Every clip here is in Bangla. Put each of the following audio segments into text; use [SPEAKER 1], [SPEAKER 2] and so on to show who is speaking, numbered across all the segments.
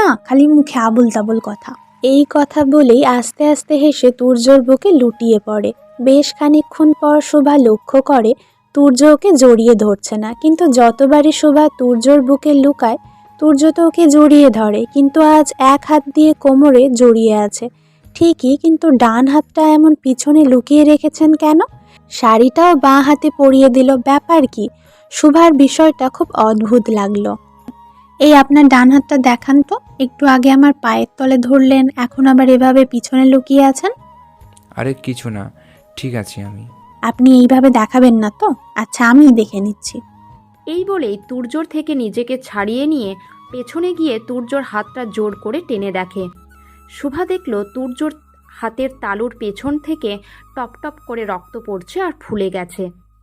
[SPEAKER 1] না খালি মুখে আবুল তাবুল কথা। এই কথা বলেই আস্তে আস্তে হেসে তুর্যর বুকে লুটিয়ে পড়ে। বেশ খানিকক্ষণ পর শোভা লক্ষ্য করে তুর্য ওকে জড়িয়ে ধরছে না, কিন্তু যতবারই শোভা তুর্যর বুকে লুকায় তুর্য তো ওকে জড়িয়ে ধরে, কিন্তু আজ এক হাত দিয়ে কোমরে জড়িয়ে আছে ঠিকই, কিন্তু ডান হাতটা এমন পিছনে লুকিয়ে রেখেছেন কেন? শাড়িটাও বাঁ হাতে পরিয়ে দিল, ব্যাপার কি? শোভার বিষয়টা খুব অদ্ভুত লাগলো। এই আপনার ডান হাতটা দেখান তো, একটু আগে আমার পায়ের তলে ধরলেন, এখন আবার এভাবে পিছনে লুকিয়ে আছেন।
[SPEAKER 2] আরে কিছু না, ঠিক আছি আমি।
[SPEAKER 1] আপনি এইভাবে দেখাবেন না তো? আচ্ছা আমিই দেখে নিচ্ছি।
[SPEAKER 3] এই বলেই তুর্যর থেকে নিজেকে ছাড়িয়ে নিয়ে পেছনে গিয়ে তুর্যর হাতটা জোর করে টেনে দেখে। শুভা দেখল তুর্যর হাতের তালুর পেছন থেকে টপ টপ করে রক্ত পড়ছে আর ফুলে গেছে।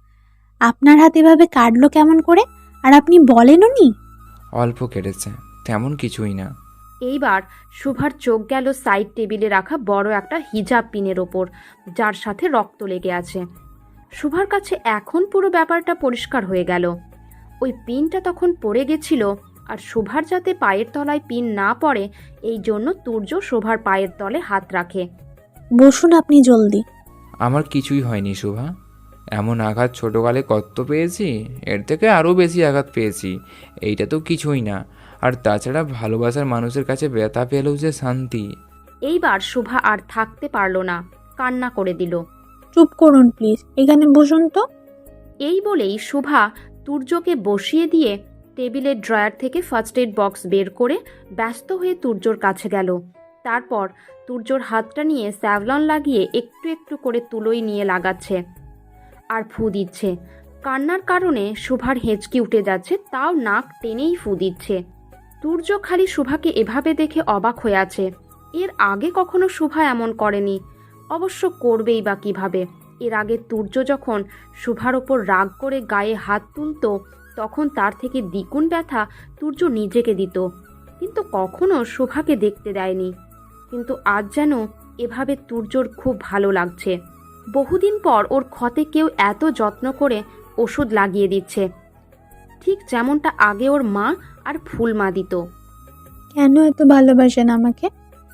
[SPEAKER 1] আপনার হাত এভাবে কাটলো কেমন করে? আর আপনি বলেনও নি?
[SPEAKER 2] অল্প কেটেছে, তেমন কিছুই না।
[SPEAKER 3] এইবার শুভার চোখ গেল সাইড টেবিলে রাখা বড় একটা হিজাব পিনের ওপর, যার সাথে রক্ত লেগে আছে। শুভার কাছে এখন পুরো ব্যাপারটা পরিষ্কার হয়ে গেল। ওই পিনটা তখন পড়ে গেছিল, আর শুভার যাতে পায়ের তলায় পিন না পড়ে এই জন্য তুর্য শোভার পায়ের তলে হাত রাখে।
[SPEAKER 1] বসুন আপনি জলদি।
[SPEAKER 2] আমার কিছুই হয়নি শোভা। এমন আঘাত ছোটোকালে কত পেয়েছি, এর থেকে আরও বেশি আঘাত পেয়েছি। এইটা তো কিছুই না। আর তাছাড়া ভালোবাসার মানুষের কাছে ব্যথা পেলেও যে শান্তি।
[SPEAKER 3] এইবার শুভা আর থাকতে পারল না, কান্না করে দিল।
[SPEAKER 1] চুপ করুন প্লিজ, এখানে বসুন তো।
[SPEAKER 3] এই বলেই শুভা তুর্যকে বসিয়ে দিয়ে টেবিলের ড্রয়ার থেকে ফার্স্ট এড বক্স বের করে ব্যস্ত হয়ে তুর্যর কাছে গেল। তারপর তুর্যর হাতটা নিয়ে স্যাভলন লাগিয়ে একটু একটু করে তুলোই নিয়ে লাগাচ্ছে আর ফু দিচ্ছে। কান্নার কারণে শুভার হেঁচকি উঠে যাচ্ছে, তাও নাক টেনেই ফু দিচ্ছে। তুর্য খালি শুভাকে এভাবে দেখে অবাক হয়ে আছে। এর আগে কখনো শুভা এমন করেনি, অবশ্য করবেই বা কিভাবে। এর আগে তুর্য যখন শুভার ওপর রাগ করে গায়ে হাত তুলত, তখন তার থেকে দ্বিগুণ ব্যথা তুর্য নিজেকে দিত, কিন্তু কখনো শুভাকে দেখতে দেয়নি। কিন্তু আজ যেন এভাবে তুর্যর খুব ভালো লাগছে। বহুদিন পর ওর ক্ষতে কেউ এত যত্ন করে ওষুধ লাগিয়ে দিচ্ছে, ঠিক যেমনটা আগে ওর মা আর ফুলমা দিত।
[SPEAKER 1] কেন এত ভালোবাসেন আমাকে?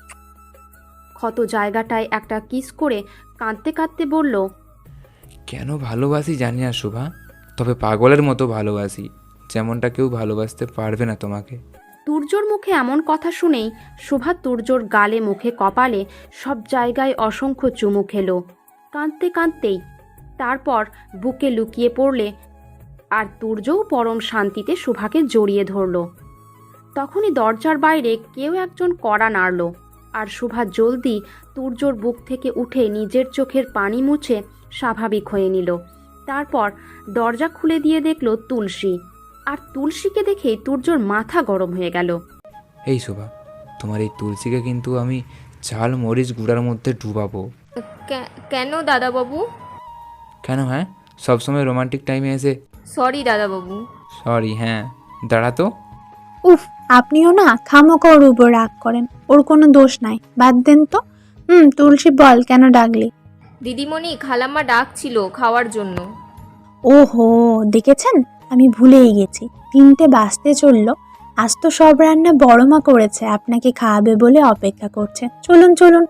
[SPEAKER 3] ক্ষত জায়গাটায় একটা কিস করে কাঁদতে কাঁদতে বলল,
[SPEAKER 2] কেন ভালোবাসি জানি না শোভা, তবে পাগলের মতো ভালোবাসি, যেমনটা কেউ ভালোবাসতে পারবে না তোমাকে।
[SPEAKER 3] তুর্যর মুখে এমন কথা শুনেই শোভা তুর্যর গালে মুখে কপালে সব জায়গায় অসংখ্য চুমু খেলো কাঁদতে কাঁদতেই। তারপর বুকে লুকিয়ে পড়লে, আর তুর্যও পরম শান্তিতে শোভাকে জড়িয়ে ধরল। তখনই দরজার বাইরে কেউ একজন কড়া নাড়ল, আর শোভা জলদি তুর্যর বুক থেকে উঠে নিজের চোখের পানি মুছে স্বাভাবিক হয়ে নিল। তারপর দরজা খুলে দিয়ে দেখল তুলসী, আর তুলসীকে দেখে তুর্যর মাথা গরম হয়ে গেল।
[SPEAKER 2] এই শোভা, তোমার এই তুলসীকে কিন্তু আমি ঝাল মরিচ গুঁড়ার মধ্যে ডুবাবো।
[SPEAKER 4] কেন দাদাবাবু?
[SPEAKER 2] কেন? হ্যাঁ, সবসময় রোমান্টিক টাইমে এসে
[SPEAKER 4] সরি দাদাবাবু।
[SPEAKER 2] সরি? হ্যাঁ, দাঁড়া তো।
[SPEAKER 1] উফ, আপনিও না খামোকা ওর উপর রাগ করেন, ওর কোনো দোষ নাই, বাদ দেন তো। তুলসী বল, কেন ডাকলি?
[SPEAKER 4] দিদিমণি, খালাম্মা ডাকছিল খাওয়ার জন্য।
[SPEAKER 1] ওহো, দেখেছেন, আমি ভুলেই গেছি, 3টে বাজতে চললো। আজ তো সব রান্না বড় মা করেছে, আপনাকে খাওয়াবে বলে অপেক্ষা করছে। চলুন চলুন।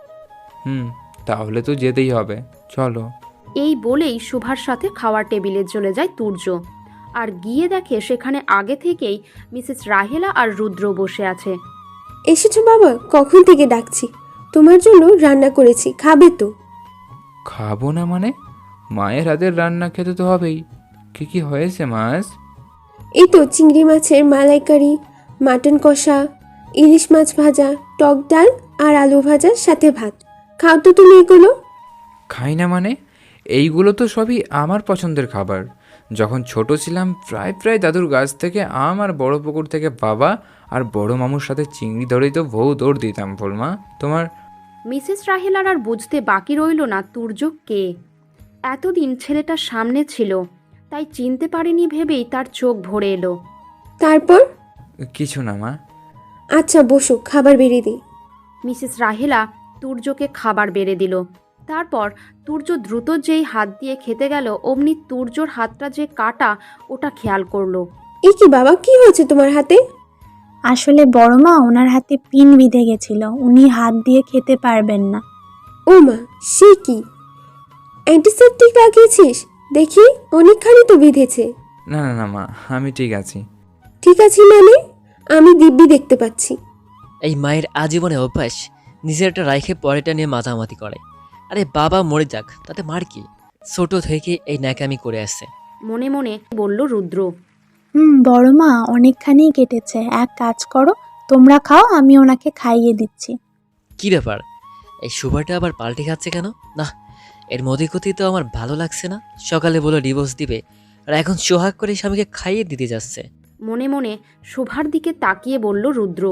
[SPEAKER 2] তাহলে তো যেতেই হবে, চলো।
[SPEAKER 3] এই বলেই শুভার সাথে খাওয়ার টেবিলে চলে যায় তুর্য, আর গিয়ে দেখে সেখানে আগে থেকেই মিসেস রাহেলা আর রুদ্র বসে আছে।
[SPEAKER 5] এসেছো বাবা, কখন থেকে ডাকছি, তোমার জন্য রান্না করেছি, খাবে তো?
[SPEAKER 2] খাবো না মানে? মায়ের হাতের রান্না খেতে তো হবেই। কি কি হয়েছে মাছ?
[SPEAKER 5] এই তো চিংড়ি মাছের মালাইকারি, মাটন কষা, ইলিশ মাছ ভাজা, টক ডাল আর আলু ভাজার সাথে ভাত। খাও তো তুমি এগুলো।
[SPEAKER 2] খাই না মানে? এইগুলো তো সবই আমার পছন্দের খাবার। যখন ছোট ছিলাম প্রায় প্রায় দাদুর গাছ থেকে আম, আর বড় পুকুর থেকে বাবা আর বড় মামুর সাথে চিংড়ি ধরেই তো বউ দৌড় দিতাম। ফুলমা, তোমার।
[SPEAKER 3] মিসেস রাহেলার আর বুঝতে বাকি রইল না তুর্য কে। এতদিন ছেলেটা সামনে ছিল, তাই চিনতে পারেনি ভেবেই তার চোখ ভরে এলো।
[SPEAKER 5] তারপর?
[SPEAKER 2] কিছু না মা।
[SPEAKER 5] আচ্ছা বসো, খাবার বেরিয়ে দিই।
[SPEAKER 3] মিসেস রাহেলা তুর্যকে খাবার বেড়ে দিল। তারপর তুর্য দ্রুত যেই হাত দিয়ে খেতে গেল, অমনি তুর্যর হাতটা যে কাটা ওটা খেয়াল করলো।
[SPEAKER 5] এই কি বাবা, কি হয়েছে তোমার হাতে?
[SPEAKER 1] আসলে বড় মা ওনার হাতে পিন বিঁধে গেছিল, উনি হাত দিয়ে খেতে পারবেন না।
[SPEAKER 5] ও মা, সে কি? অ্যান্টিসেপটিক লাগিয়েছিস? দেখি অনেকখানি তো বিঁধেছে।
[SPEAKER 2] না না না মা, আমি ঠিক আছি।
[SPEAKER 5] ঠিক আছে মানে? আমি দিব্যি দেখতে পাচ্ছি।
[SPEAKER 6] এই মায়ের আজীবনে অভ্যাস নিজেরটা রাইখে পরেটা নিয়ে মাতামাতি করে। আরে বাবা মরে যাক, তাতে মার কি? ছোট থেকে এই ন্যাকামি করে আসছে।
[SPEAKER 3] মনে মনে বলল রুদ্র।
[SPEAKER 1] বড় মা অনেকখানি কেটেছে, এক কাজ করো, তোমরা খাও, আমি ওনাকে খাইয়ে দিচ্ছি।
[SPEAKER 6] কি ব্যাপার, এই সুভাটা আবার পাল্টে খাচ্ছে কেন? না, এর মধ্যে তো আমার ভালো লাগছে না। সকালে বলে ডিভোর্স দিবে, আর এখন সোহাগ করে স্বামীকে খাইয়ে দিতে যাচ্ছে।
[SPEAKER 3] মনে মনে শোভার দিকে তাকিয়ে বলল রুদ্র।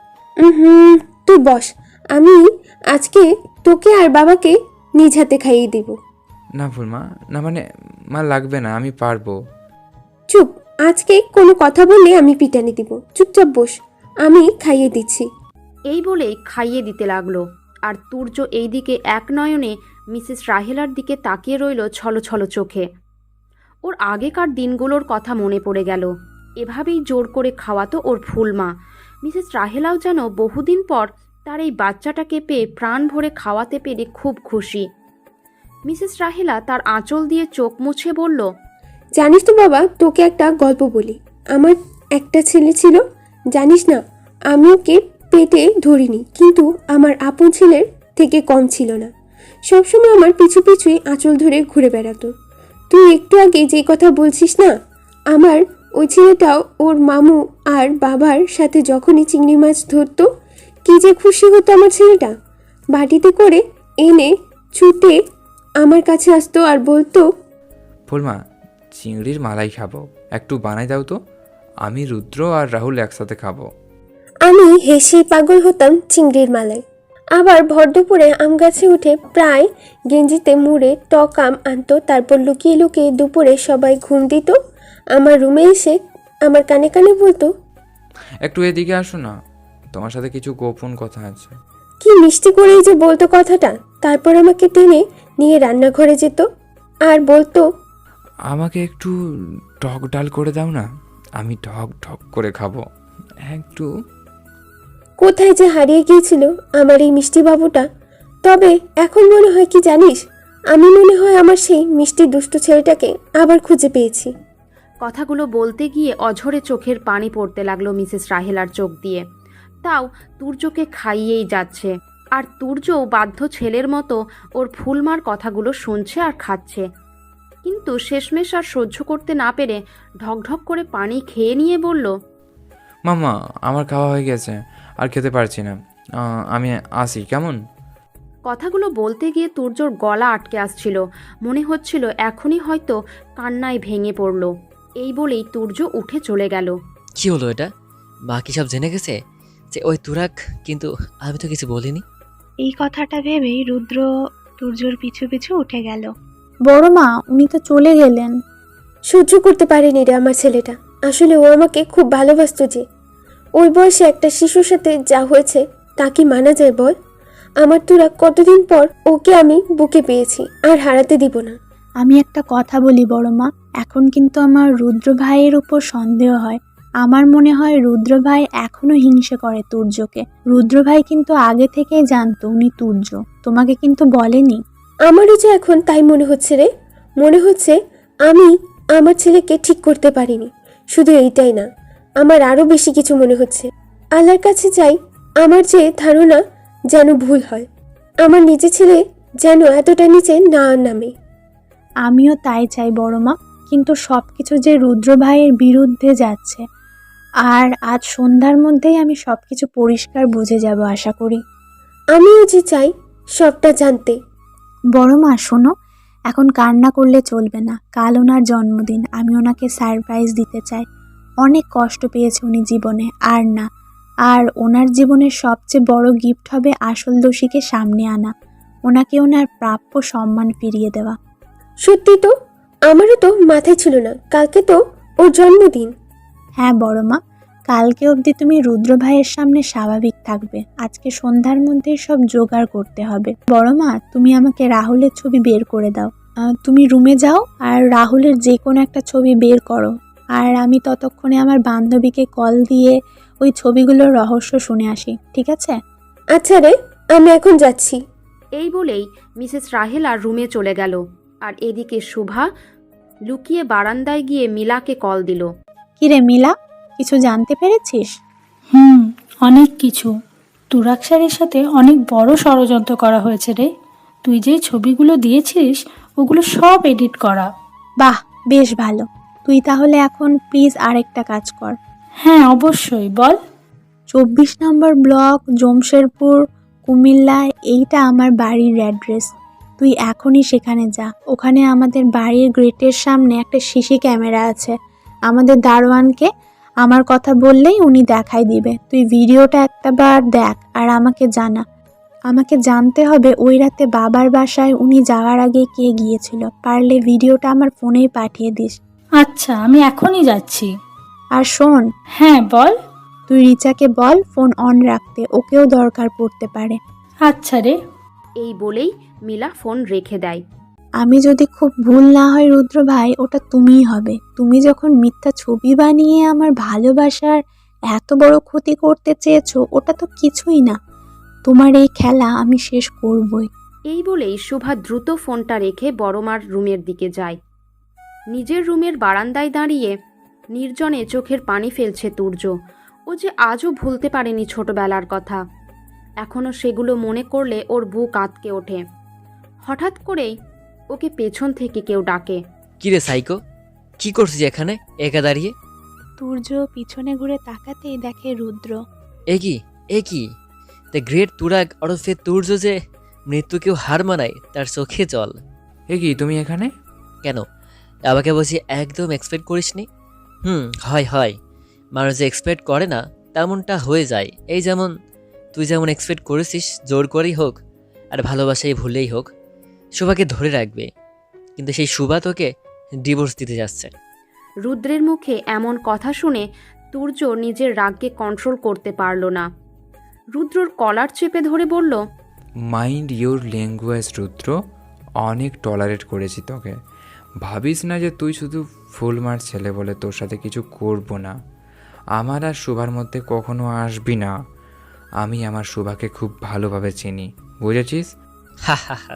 [SPEAKER 5] হুম, তুই বস, আমি আজকে তোকে আর বাবাকে নিজ হাতে খাইয়ে দিব।
[SPEAKER 2] না ফুলমা, না মানে মা লাগবে না, আমি পারবো।
[SPEAKER 5] চুপ, আজকে কোনো কথা বললে আমি পিটানি দিব। চুপচাপ বস, আমি খাইয়ে দিচ্ছি।
[SPEAKER 3] এই বলেই খাইয়ে দিতে লাগলো। আর তুর্য এইদিকে এক নয়নে মিসেস রাহেলার দিকে তাকিয়ে রইল ছলছল চোখে। ওর আগেকার দিনগুলোর কথা মনে পড়ে গেল। এভাবেই জোর করে খাওয়াতো ওর ফুলমা। মিসেস রাহেলাও যেন বহুদিন পর তার এই বাচ্চাটাকে পেয়ে প্রাণ ভরে খাওয়াতে পেরে খুব খুশি। মিসেস রাহেলা তার আঁচল দিয়ে চোখ মুছে বলল,
[SPEAKER 5] জানিস তো বাবা, তোকে একটা গল্প বলি। আমার একটা ছেলে ছিল, জানিস না, আমি ওকে পেটে ধরিনি, কিন্তু আমার আপন ছেলের থেকে কম ছিল না। সবসময় আমার পিছু পিছুই আঁচল ধরে ঘুরে বেড়াতো। তুই একটু আগে যে কথা বলছিস না, আমার ওই ছেলেটাও ওর মামু আর বাবার সাথে যখনই চিংড়ি মাছ ধরতো, কি যে খুশি হতো আমার ছেলেটা। বাটিতে করে এনে ছুটে আমার কাছে আসতো আর বলতো,
[SPEAKER 2] ফুলমা, চিংড়ির মালাই খাবো, একটু বানাই দাও তো, আমি রুদ্র আর রাহুল একসাথে খাবো।
[SPEAKER 5] আমি হেসে পাগল হতাম চিংড়ির মালায়। আবার ভর দুপুরে আম গাছে উঠে প্রায় গেঞ্জিতে মুড়ে টক আম আনতো, তারপর লুকিয়ে লুকিয়ে দুপুরে সবাই ঘুম দিত। আমার রুমে এসে আমার কানে কানে বলতো,
[SPEAKER 2] একটু এদিকে আসো না, তোমার সাথে কিছু গোপন কথা আছে।
[SPEAKER 5] কি মিষ্টি করেই যে বলতো কথাটা। তারপর আমাকে টেনে নিয়ে রান্নাঘরে যেত আর বলতো,
[SPEAKER 2] আমাকে একটু টক ডাল করে দাও না, আমি ঢক ঢক করে খাবো একটু।
[SPEAKER 5] কোথায় যে হারিয়ে গিয়েছিল আমার এই মিষ্টি বাবুটা। তবে এখন মনে হয় কি জানিস, আমি মনে হয় আমার সেই মিষ্টি দুষ্ট ছেলেটাকে আবার খুঁজে পেয়েছি।
[SPEAKER 3] কথাগুলো বলতে গিয়ে অঝরে চোখের পানি পড়তে লাগলো মিসেস রাহেলার চোখ দিয়ে। তাও তুর্যকে খাইয়েই যাচ্ছে। আর তুর্যও বাধ্য ছেলের মতো ওর ফুলমার কথাগুলো শুনছে আর খাচ্ছে। কিন্তু শেষমেশ আর সহ্য করতে না পেরে ঢকঢক করে পানি খেয়ে নিয়ে বলল,
[SPEAKER 2] মামা, আমার খাওয়া হয়ে গেছে, আর খেতে পারছি না, আমি আসি কেমন।
[SPEAKER 3] কথাগুলো বলতে গিয়ে তুর্যর গলা আটকে আসছিল। মনে হচ্ছিল এখনই হয়তো কান্নায় ভেঙে পড়ল। এই বলেই তুর্য উঠে চলে গেল।
[SPEAKER 6] কি হলো এটা? বাকি সব জেনে গেছে যে ওই তুরাক, কিন্তু আমি তো কিছু বলিনি।
[SPEAKER 1] এই কথাটা ভেবেই রুদ্র তুর্যর পিছু পিছু উঠে গেল। বড় মা, উনি তো চলে গেলেন।
[SPEAKER 5] সহ্য করতে পারেনি রে আমার ছেলেটা। আসলে ও আমাকে খুব ভালোবাসতো যে। ওই বয়সে একটা শিশুর সাথে যা হয়েছে তা কি মানা যায় বল? আমার তোরা কতদিন পর ওকে আমি বুকে পেয়েছি, আর হারাতে দিব না।
[SPEAKER 1] আমি একটা কথা বলি বড় মা, এখন কিন্তু আমার রুদ্র ভাইয়ের উপর সন্দেহ হয়। আমার মনে হয় রুদ্র ভাই এখনো হিংসে করে তুর্যকে। রুদ্র ভাই কিন্তু আগে থেকেই জানতো উনি তুর্য, তোমাকে কিন্তু বলেনি।
[SPEAKER 5] আমারও যে এখন তাই মনে হচ্ছে রে। মনে হচ্ছে আমি আমার ছেলেকে ঠিক করতে পারিনি। শুধু এইটাই না, আমার আরও বেশি কিছু মনে হচ্ছে। আল্লাহর কাছে চাই আমার যে ধারণা যেন ভুল হয়, আমার নিজের ছেলে যেন এতটা নিচে না নামে।
[SPEAKER 1] আমিও তাই চাই বড় মা, কিন্তু সবকিছু যে রুদ্র ভাইয়ের বিরুদ্ধে যাচ্ছে। আর আজ সন্ধ্যার মধ্যেই আমি সবকিছু পরিষ্কার বুঝে যাব আশা করি।
[SPEAKER 5] আমিও যে চাই সবটা জানতে।
[SPEAKER 1] বড় মা শোনো, এখন কান্না করলে চলবে না। কাল ওনার জন্মদিন, আমি ওনাকে সারপ্রাইজ দিতে চাই। অনেক কষ্ট পেয়েছে উনি জীবনে, আর না। আর ওনার জীবনের সবচেয়ে বড় গিফট হবে আসল দোষীকে সামনে আনা, ওনাকে ওনার প্রাপ্য সম্মান ফিরিয়ে দেওয়া।
[SPEAKER 5] সত্যি তো, আমারও তো মাথায় ছিল না কালকে তো ওর জন্মদিন।
[SPEAKER 1] হ্যাঁ বড় মা, কালকে অবধি তুমি রুদ্র ভাইয়ের সামনে স্বাভাবিক থাকবে। আজকে সন্ধ্যার মধ্যেই সব জোগাড় করতে হবে। বড় মা, তুমি আমাকে রাহুলের ছবি বের করে দাও। তুমি রুমে যাও আর রাহুলের যে কোনো একটা ছবি বের করো। আর আমি ততক্ষণে আমার বান্ধবীকে কল দিয়ে ওই ছবিগুলোর রহস্য শুনে আসি, ঠিক আছে?
[SPEAKER 5] আচ্ছা রে, আমি এখন যাচ্ছি।
[SPEAKER 3] এই বলেই মিসেস রাহেলা রুমে চলে গেল। আর এদিকে শুভা লুকিয়ে বারান্দায় গিয়ে মিলাকে কল দিল।
[SPEAKER 1] কিরে মিলা, কিছু জানতে পেরেছিস?
[SPEAKER 7] অনেক কিছু। তুরাগ স্যারের সাথে অনেক বড় ষড়যন্ত্র করা হয়েছে রে। তুই যে ছবিগুলো দিয়েছিস ওগুলো সব এডিট করা।
[SPEAKER 1] বাহ, বেশ ভালো। তুই তাহলে এখন প্লিজ আরেকটা কাজ কর।
[SPEAKER 7] হ্যাঁ অবশ্যই, বল।
[SPEAKER 1] 24 নম্বর ব্লক, জমশেরপুর, কুমিল্লা, এইটা আমার বাড়ির অ্যাড্রেস। তুই এখনই সেখানে যা। ওখানে আমাদের বাড়ির গেটের সামনে একটা সিসি ক্যামেরা আছে। আমাদের দারোয়ানকে আমার কথা বললেই উনি দেখাই দিবে। তুই ভিডিওটা একটাবার দেখ আর আমাকে জানা। আমাকে জানতে হবে ওই রাতে বাবার বাসায় উনি যাওয়ার আগে কে গিয়েছিল। পারলে ভিডিওটা আমার ফোনেই পাঠিয়ে দিস।
[SPEAKER 7] আচ্ছা, আমি এখনই যাচ্ছি।
[SPEAKER 1] আর শোন,
[SPEAKER 7] হ্যাঁ বল।
[SPEAKER 1] তুই রিচাকে বল ফোন অন রাখতে, ওকেও দরকার পড়তে পারে।
[SPEAKER 7] আচ্ছা রে।
[SPEAKER 3] এই বলেই মিলা ফোন রেখে দেয়।
[SPEAKER 1] আমি যদি খুব ভুল না হয় রুদ্র ভাই, ওটা তুমিই হবে। তুমি যখন মিথ্যা ছবি বানিয়ে আমার ভালোবাসার এত বড় ক্ষতি করতে চেয়েছো, ওটা তো কিছুই না। তোমার এই খেলা আমি শেষ করবই।
[SPEAKER 3] এই বলেই শুভা দ্রুত ফোনটা রেখে বড়মার রুমের দিকে যায়। নিজের রুমের বারান্দায় দাঁড়িয়ে নির্জনে চোখের পানি ফেলছে তুর্য। ও যে আজও ভুলতে পারেনি ছোটবেলার কথা। এখনও সেগুলো মনে করলে ওর বুক আঁতকে ওঠে। হঠাৎ করেই ওকে পেছন থেকে কেউ ডাকে।
[SPEAKER 6] কি রে সাইকো, কি করছিস এখানে একা দাঁড়িয়ে?
[SPEAKER 1] তুর্য পিছনে ঘুরে তাকাতেই দেখে রুদ্র।
[SPEAKER 6] এ কি দ্য গ্রেট তুরাগ ওরফে তুর্য যে মৃত্যুকেও হার মানায় তার চোখে জল।
[SPEAKER 2] এ কি তুমি এখানে?
[SPEAKER 6] কেন, আমাকে বলছি একদম এক্সপেক্ট করিসনি? হয় মানুষ যে এক্সপেক্ট করে না তেমনটা হয়ে যায়। এই যেমন তুই যেমন এক্সপেক্ট করেছিস জোর করেই হোক আর ভালোবাসাই ভুলেই হোক শুভাকে ধরে রাখবে, কিন্তু সেই শুভা তোকে ডিভোর্স দিতে যাচ্ছে।
[SPEAKER 3] রুদ্রের মুখে এমন কথা শুনে তুর্য নিজের রাগকে কন্ট্রোল করতে পারল না। রুদ্রর কলার চেপে ধরে বলল,
[SPEAKER 2] মাইন্ড ইউর ল্যাঙ্গুয়েজ রুদ্র। অনেক টলারেট করেছি তোকে। ভাবিস না যে তুই শুধু ফুলমার ছেলে বলে তোর সাথে কিছু করব না। আমার আর শুভার মধ্যে কখনো আসবি না। আমি আমার শুভাকে খুব ভালোভাবে চিনি, বুঝেছিস?
[SPEAKER 6] হা,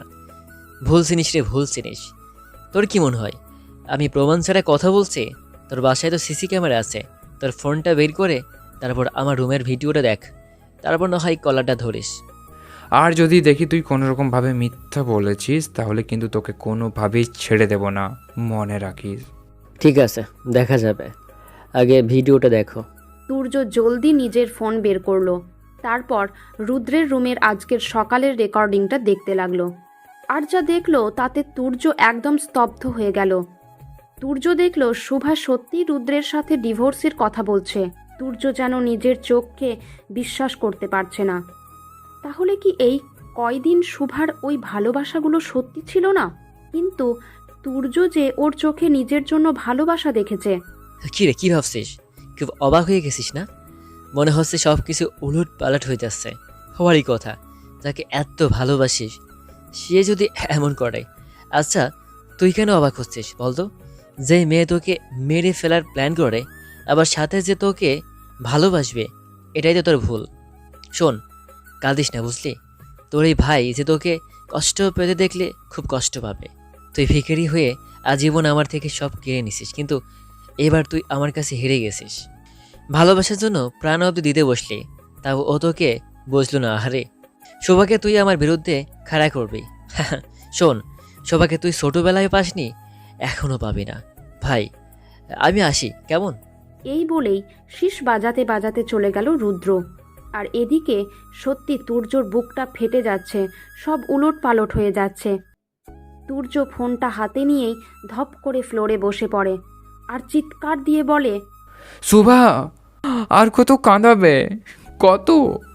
[SPEAKER 6] ভুল চিনিস রে, ভুল চিনিস। তোর কি মনে হয় আমি প্রমাণ ছাড়া কথা বলছি? তোর বাসায় তো সিসি ক্যামেরা আছে। তোর ফোনটা বের করে তারপর আমার রুমের ভিডিওটা দেখ, তারপর না হয় কলারটা ধরিস।
[SPEAKER 2] আর যদি দেখি তুই কোনোরকমভাবে মিথ্যা বলেছিস তাহলে কিন্তু তোকে কোনোভাবেই ছেড়ে দেব না, মনে রাখিস।
[SPEAKER 6] ঠিক আছে, দেখা যাবে, আগে ভিডিওটা দেখো।
[SPEAKER 3] তুর্য জলদি নিজের ফোন বের করলো। তারপর রুদ্রের রুমের আজকের সকালের রেকর্ডিংটা দেখতে লাগলো। আর যা দেখলো তাতে তুর্য একদম স্তব্ধ হয়ে গেল। তুর্য দেখলো শুভা সত্যি রুদ্রের সাথে ডিভোর্সের কথা বলছে। তুর্য যেন নিজের চোখকে বিশ্বাস করতে পারছে না। তাহলে কি এই কয়দিন শুভার ওই ভালোবাসাগুলো সত্যি ছিল না? কিন্তু তুর্য যে ওর চোখে নিজের জন্য ভালোবাসা দেখেছে।
[SPEAKER 6] কি রে, কি ভাবছিস? খুব অবাক হয়ে গেছিস না? মনে হচ্ছে সব কিছু উলট পালট হয়ে যাচ্ছে। হওয়ারই কথা, যাকে এত ভালোবাসিস সে যদি এমন করে। আচ্ছা, তুই কেন অবাক হচ্ছিস বলতো? যে মেয়ে তোকে মেরে ফেলার প্ল্যান করে আবার সাথে যে তোকে ভালোবাসবে, এটাই তো তোর ভুল। শোন, কাঁদিস না, বুঝলি? তোর এই ভাই যে তোকে কষ্ট পেতে দেখলে খুব কষ্ট পাবে। তুই ভিখারি হয়ে আজীবন আমার থেকে সব কেড়ে নিছিস, কিন্তু এবার তুই আমার কাছে হেরে গেছিস। ভালোবাসার জন্য প্রাণ অব্দি দিতে বসলি, তাও ও তোকে বুঝলো না। আহারে, শোভাকে তুই আমার বিরুদ্ধে খাড়া করবি। শোন, শোভাকে তুই ছোটবেলায় পাসনি, এখনো পাবি না। ভাই, আমি আসি, কেমন?
[SPEAKER 3] এই বলেই শীষ বাজাতে বাজাতে চলে গেল রুদ্র। আর এদিকে সত্যি তুর্যর বুকটা ফেটে যাচ্ছে, সব উলট পালট হয়ে যাচ্ছে। তুর্য ফোনটা হাতে নিয়েই ধপ করে ফ্লোরে বসে পড়ে আর চিৎকার দিয়ে বলে,
[SPEAKER 2] শুভা, আর কত কাঁদাবে? কত?